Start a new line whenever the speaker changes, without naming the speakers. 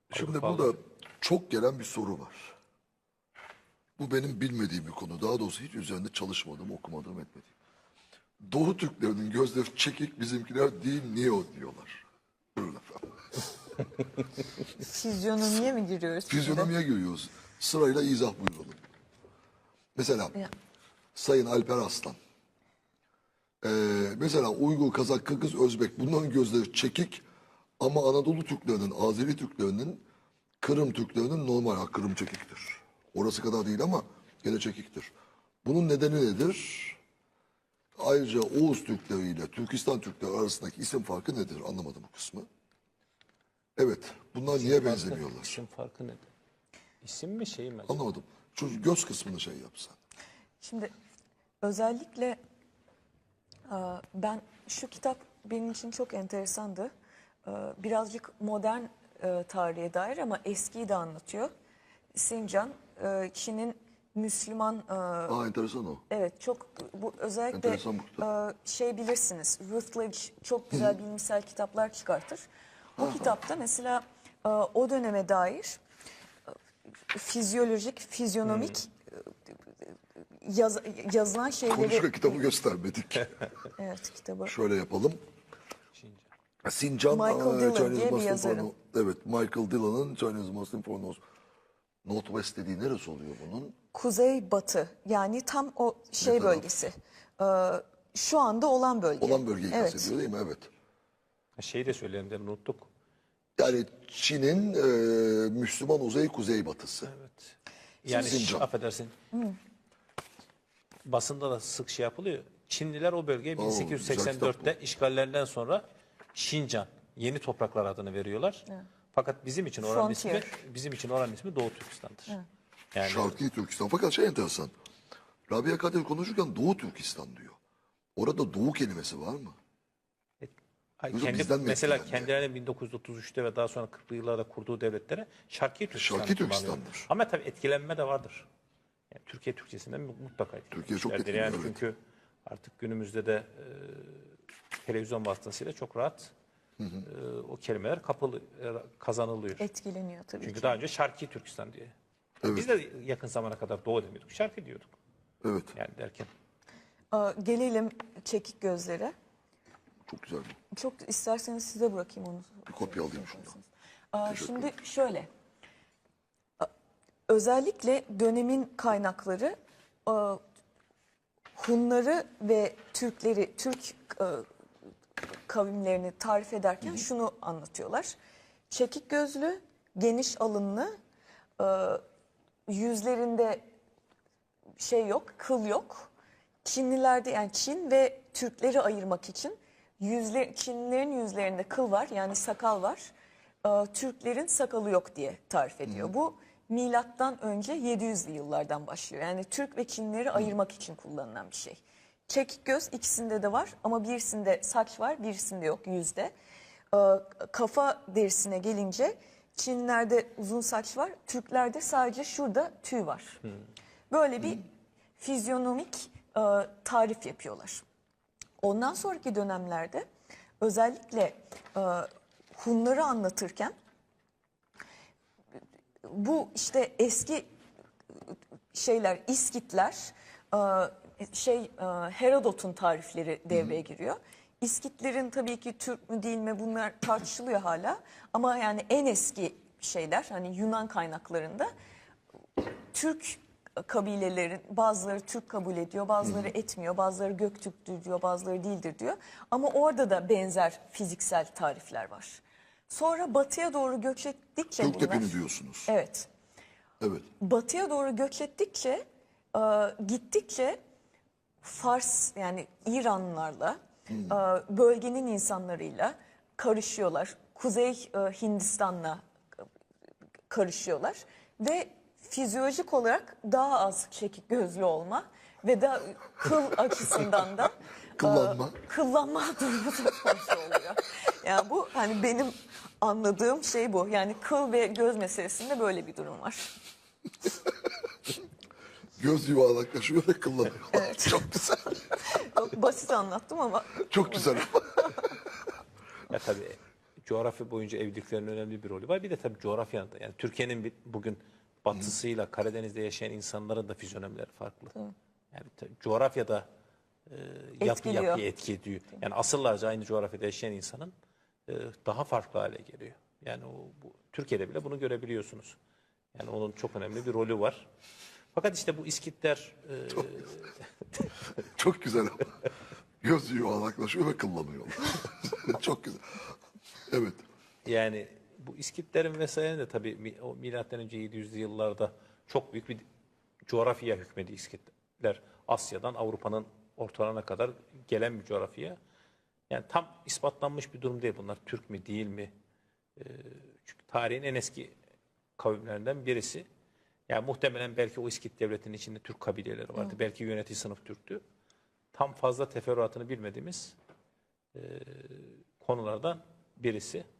Şimdi burada çok gelen bir soru var. Bu benim bilmediğim bir konu. Daha doğrusu hiç üzerinde çalışmadım, okumadım, etmedim. Doğu Türklerinin gözleri çekik, bizimkiler değil, niye o diyorlar. Buyurun efendim.
Fizyonomiye mi giriyoruz? şimdi?
Fizyonomiye giriyoruz. Sırayla izah buyuralım. Mesela
Ya.
Sayın Alper Aslan. Mesela Uygur, Kazak, Kırgız, Özbek bunların gözleri çekik ama Anadolu Türklerinin, Azeri Türklerinin, Kırım Türklerinin normal. Ha, Kırım çekiktir. Orası kadar değil ama gene çekiktir. Bunun nedeni nedir? Ayrıca Oğuz Türkleri ile Türkistan Türkleri arasındaki isim farkı nedir? Anlamadım bu kısmı. Evet, bunlar niye benzemiyorlar?
İsim farkı nedir? İsim mi şey mi?
Anlamadım. Şu göz kısmını şey yapsan.
Şimdi özellikle ben şu kitap benim için çok enteresandı. Birazcık modern tarihe dair ama eskiyi de anlatıyor. Sincan, Çin'in Müslüman,
Enteresan o.
evet çok bu özellikle
Enteresan bu kitap.
şey bilirsiniz, Routledge çok güzel bilimsel kitaplar çıkartır. O kitapta mesela o döneme dair fizyolojik, fizyonomik yazılan şeyleri...
Konuşurken kitabı göstermedik.
Evet, kitabı.
Şöyle yapalım. Sincan,
Michael Dillon
Chinese
diye bir
Muslim
yazarın.
Porno. Evet, Michael Dillon'ın Chinese Muslim Pornos. Northwest dediği neresi oluyor bunun?
Kuzey batı, yani tam o şey
taraf?
bölgesi. Şu anda olan bölge.
Olan bölgeyi
Evet.
kastediyor değil mi? Evet.
Şeyi de söyleyelim de unuttuk.
Yani Çin'in Müslüman kuzey batısı.
Evet. Yani
Sincan.
affedersin. Basında da sık şey yapılıyor. Çinliler o bölgeye
güzel
1884'te işgallerinden sonra Şincan, yeni topraklar adını veriyorlar. Fakat bizim için oranın
Frontier.
ismi Doğu Türkistan'dır. Yani
Şarkı Türkistan. Fakat şey enteresan. Rabia Kadir konuşurken Doğu Türkistan diyor. Orada Doğu kelimesi var mı? Yoksa bizden mi
mesela
etkilendi?
kendilerinin 1933'te ve daha sonra 40'lı yıllarda kurduğu devletlere Şarkı Türkistan
Şarkı
kullanıyor.
Türkistan'dır.
Ama tabii etkilenme de vardır. Yani Türkiye Türkçesinden mutlaka
Türkiye çok
etkilenmişlerdir. Yani
etkileniyor,
çünkü artık günümüzde de televizyon vasıtasıyla çok rahat o kelimeler kazanılıyor.
Etkileniyor tabii
Çünkü
ki.
daha önce Şarkı Türkistan diye.
Evet.
Biz de yakın zamana kadar Doğu demiyorduk. Şarkı diyorduk.
Evet.
Yani derken.
Gelelim çekik gözlere.
Çok güzel.
Çok isterseniz size bırakayım onu.
Bir kopya alayım şundan.
Şimdi şöyle, özellikle dönemin kaynakları Hunları ve Türkleri, Türk kavimlerini tarif ederken şunu anlatıyorlar. Çekik gözlü, geniş alınlı, yüzlerinde şey yok, kıl yok. Çinlilerde, yani Çin ve Türkleri ayırmak için Çinlilerin yüzlerinde kıl var, yani sakal var. Türklerin sakalı yok diye tarif ediyor. Bu milattan önce 700'lü yıllardan başlıyor. Yani Türk ve Çinlileri ayırmak için kullanılan bir şey. Çekik göz ikisinde de var ama birisinde saç var, birisinde yok, yüzde. Kafa derisine gelince Çinlilerde uzun saç var, Türklerde sadece şurada tüy var. Böyle bir fizyonomik tarif yapıyorlar. Ondan sonraki dönemlerde özellikle Hunları anlatırken bu işte eski şeyler, İskitler, Herodot'un tarifleri devreye giriyor. İskitlerin tabii ki Türk mü değil mi bunlar tartışılıyor hala. Ama yani en eski şeyler, hani Yunan kaynaklarında Türk kabilelerin bazıları Türk kabul ediyor, bazıları etmiyor, bazıları Göktürk'tür diyor, bazıları değildir diyor. Ama orada da benzer fiziksel tarifler var. Sonra batıya doğru göç ettikçe bunlar...
Göktepe'ni diyorsunuz.
Evet.
Evet.
Batıya doğru göç ettikçe, gittikçe Fars, yani İranlılarla, bölgenin insanlarıyla karışıyorlar. Kuzey Hindistan'la karışıyorlar ve fizyolojik olarak daha az çekik gözlü olma ve da kıl açısından da kıllanma durumu söz konusu oluyor. Yani bu, hani benim anladığım şey bu. Yani kıl ve göz meselesinde böyle bir durum var.
Göz yuvarlaklaşıyor ve kıllanıyor.
Evet.
Çok güzel.
Çok basit anlattım ama
Çok güzel.
Ya tabii coğrafya boyunca evliliklerin önemli bir rolü var. Bir de tabii coğrafyanın da, yani Türkiye'nin bugün batısıyla Karadeniz'de yaşayan insanların da fizyonomileri farklı. Yani coğrafyada
Etkiliyor.
yapıyı etki ediyor. Yani asırlarca aynı coğrafyada yaşayan insanın daha farklı hale geliyor. Yani Türkiye'de bile bunu görebiliyorsunuz. Yani onun çok önemli bir rolü var. Fakat işte bu İskitler
Çok güzel ama. Göz yuvarlaklaşıyor ve kıllanıyor. Çok güzel. Evet.
yani bu İskitlerin vesaire de tabii o milattan önce 700'lü yıllarda çok büyük bir coğrafyaya hükmedi İskitler. Asya'dan Avrupa'nın ortalarına kadar gelen bir coğrafya. Yani tam ispatlanmış bir durum değil bunlar. Türk mü değil mi? Çünkü tarihin en eski kavimlerinden birisi. Yani muhtemelen belki o İskit devletinin içinde Türk kabileleri vardı. Belki yönetici sınıf Türktü. Tam fazla teferruatını bilmediğimiz konulardan birisi.